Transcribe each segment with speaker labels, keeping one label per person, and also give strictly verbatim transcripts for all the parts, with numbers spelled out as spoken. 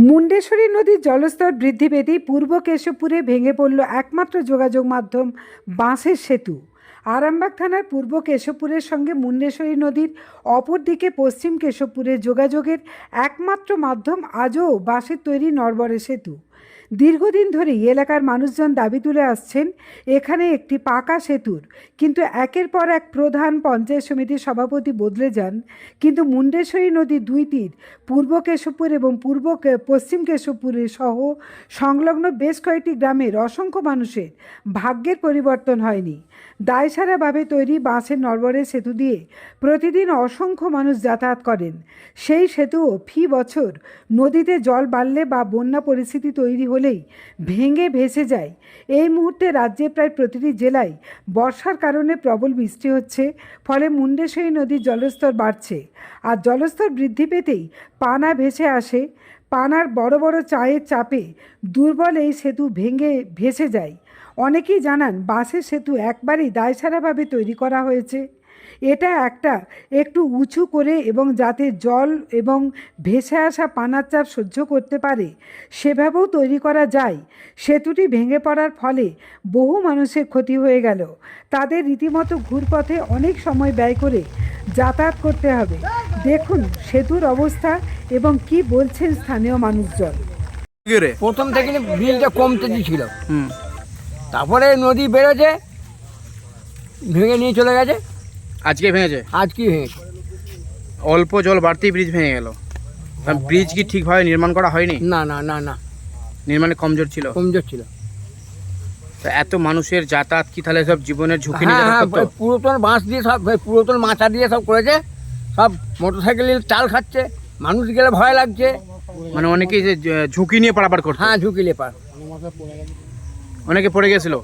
Speaker 1: মুন্ডেশ্বরী নদীর জলস্তর বৃদ্ধি পেতেই পূর্ব কেশবপুরে ভেঙে পড়ল একমাত্র যোগাযোগ মাধ্যম বাঁশের সেতু। আরামবাগ থানার পূর্ব কেশবপুরের সঙ্গে মুন্ডেশ্বরী নদীর অপর দিকে পশ্চিম কেশবপুরের যোগাযোগের একমাত্র মাধ্যম আজও বাঁশের তৈরি নড়বড়ে সেতু। দীর্ঘদিন ধরেই এলাকার মানুষজন দাবি তুলে আসছেন এখানে একটি পাকা সেতুর, কিন্তু একের পর এক প্রধান পঞ্চায়েত সমিতির সভাপতি বদলে যান, কিন্তু মুন্ডেশ্বরী নদীর দুই তীর পূর্ব কেশবপুর এবং পূর্ব পশ্চিম কেশবপুরের সহ সংলগ্ন বেশ কয়েকটি গ্রামের অসংখ্য মানুষের ভাগ্যের পরিবর্তন হয়নি। দায়সারাভাবে তৈরি বাঁশের নড়বড়ে সেতু দিয়ে প্রতিদিন অসংখ্য মানুষ যাতায়াত করেন। সেই সেতুও ফি বছর নদীতে জল বাড়লে বা বন্যা পরিস্থিতি তৈরি হলেই ভেঙে ভেসে যায়। এই মুহূর্তে রাজ্যে প্রায় প্রতিটি জেলায় বর্ষার কারণে প্রবল বৃষ্টি হচ্ছে, ফলে মুন্ডেশ্বরী নদীর জলস্তর বাড়ছে। আর জলস্তর বৃদ্ধি পেতেই পানা ভেসে আসে। পানার বড় বড় চায়ের চাপে দুর্বল এই সেতু ভেঙে ভেসে যায়। অনেকেই জানান বাঁশের সেতু একবারই দায়সারাভাবে তৈরি করা হয়েছে। এটা একটা একটু উঁচু করে এবং যাতে জল এবং ভেসে আসা পানার চাপ সহ্য করতে পারে সেভাবেও তৈরি করা যায়। সেতুটি ভেঙে পড়ার ফলে বহু মানুষের ক্ষতি হয়ে গেল। তাদের রীতিমতো ঘুরপথে অনেক সময় ব্যয় করে যাতায়াত করতে হবে। দেখুন সেতুর অবস্থা এবং কি বলছেন স্থানীয় মানুষজন।
Speaker 2: প্রথম থেকে বিলটা কমতে ছিল, তারপরে নদী বেড়েছে, ভেঙে নিয়ে চলে গেছে।
Speaker 3: আজকে ভেঙেছে?
Speaker 2: আজকে ভেঙেছে।
Speaker 3: অল্প জল বাড়তেই ব্রিজ ভেঙে গেল। ব্রিজ কি ঠিকভাবে নির্মাণ করা হয়নি?
Speaker 2: না না না না
Speaker 3: নির্মাণে কমজোর ছিল।
Speaker 2: কমজোর ছিল।
Speaker 3: তো এত মানুষের যাতায়াত কি তাহলে সব জীবনের ঝুঁকি নিয়ে
Speaker 2: হ্যাঁ হ্যাঁ,
Speaker 3: যাতায়াত করতো?
Speaker 2: পুরাতন বাঁশ দিয়ে সব, পুরাতন মাথা দিয়ে সব করেছে। সব মোটরসাইকেলের চাল খাচ্ছে, মানুষ গেলে ভয় লাগছে।
Speaker 3: মানে অনেকেই যে ঝুঁকি নিয়ে পারাপার করতো।
Speaker 2: হ্যাঁ, ঝুঁকি লেপার।
Speaker 3: অনেকে পড়ে গেছিল।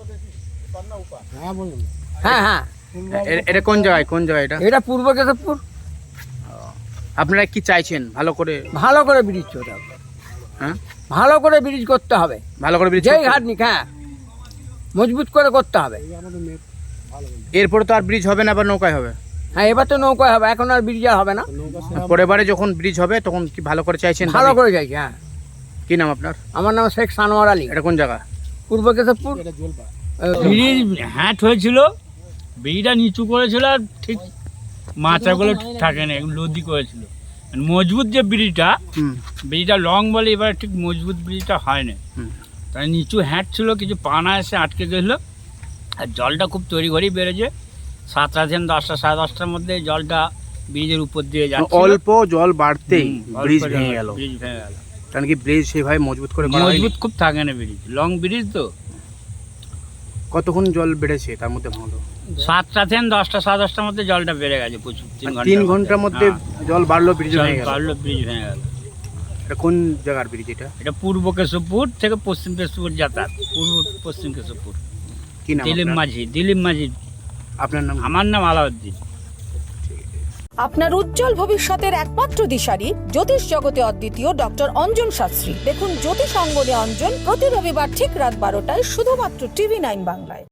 Speaker 2: হ্যাঁ হ্যাঁ,
Speaker 3: এ- এটা কোন জায়গায় কোন জায়গায় এটা?
Speaker 2: এটা পূর্ব কেশবপুর।
Speaker 3: আপনারা কি চাইছেন? ভালো করে
Speaker 2: ভালো করে ব্রিজ করতে হবে।
Speaker 3: হ্যাঁ,
Speaker 2: ভালো করে ব্রিজ করতে হবে।
Speaker 3: ভালো করে ব্রিজ
Speaker 2: যেই ঘাট নিক, হ্যাঁ, মজবুত করে করতে হবে।
Speaker 3: এরপরে তো আর ব্রিজ হবে না, আবার নৌকায় হবে।
Speaker 2: হ্যাঁ, এবার তো নৌকায় হবে, এখন আর ব্রিজ আর হবে না।
Speaker 3: পরের বারে যখন ব্রিজ হবে তখন কি ভালো করে চাইছেন?
Speaker 2: ভালো
Speaker 3: দাবি?
Speaker 2: করে যাইছে। হ্যাঁ,
Speaker 3: কি নাম আপনার?
Speaker 2: আমার নাম শেখ সানোয়ার আলী।
Speaker 3: এটা কোন জায়গা?
Speaker 2: পূর্ব কেশবপুর।
Speaker 4: ব্রিজ হ্যাট হয়েছিল, ব্রিজটা নিচু করেছিল, আর ঠিক মাচাগুলো ঠিক থাকে না, লদি করেছিল। মজবুত যে ব্রিজটা,
Speaker 3: হুম
Speaker 4: ব্রিজটা লং বলে এবার ঠিক মজবুত ব্রিজটা হয় না।
Speaker 3: হুম।
Speaker 4: তাই নিচু হ্যাট ছিল, কিছু পানা এসে আটকে গেছিলো। আর জলটা খুব তৈরি ঘরেই বেড়েছে। সাতটা থেকে দশটা সাড়ে দশটার মধ্যে জলটা ব্রিজের উপর দিয়ে যাচ্ছে।
Speaker 3: অল্প জল বাড়তেই ব্রিজ ভেঙে গেল।
Speaker 4: ব্রিজ ভেঙে গেল।
Speaker 3: কারণ কি ব্রিজ সেভাবে মজবুত করে করা হয়নি?
Speaker 4: মজবুত খুব থাকে না ব্রিজ, লং ব্রিজ তো।
Speaker 3: কতক্ষণ জল বেড়েছে তার মধ্যে ভাঙলো?
Speaker 4: সাতটা থেকে দশটা সাড়ে দশটার মধ্যে জলটা বেড়ে গেছে প্রচুর।
Speaker 3: তিন ঘন্টার মধ্যে জল বাড়লো, ব্রিজ ভেঙে গেল।
Speaker 4: বাড়লো, ব্রিজ ভেঙে গেল।
Speaker 3: এটা কোন জায়গার ব্রিজ এটা?
Speaker 4: এটা পূর্ব কেশবপুর থেকে পশ্চিম কেশবপুর যাতায়াত। পূর্ব পশ্চিম কেশবপুর।
Speaker 3: কি নাম
Speaker 4: দিলীপ
Speaker 3: আপনার?
Speaker 4: মাঝি। দিলীপ মাঝি।
Speaker 3: আপনার নাম?
Speaker 4: আমার নাম আলাউদ্দিন।
Speaker 5: আপনার উজ্জ্বল ভবিষ্যতের একমাত্র দিশারি জ্যোতিষ জগতে অদ্বিতীয় ডক্টর অঞ্জন শাস্ত্রী। দেখুন জ্যোতিষ অঙ্গনে অঞ্জন প্রতি রবিবার ঠিক রাত বারোটায় শুধুমাত্র টিভি নাইন বাংলায়।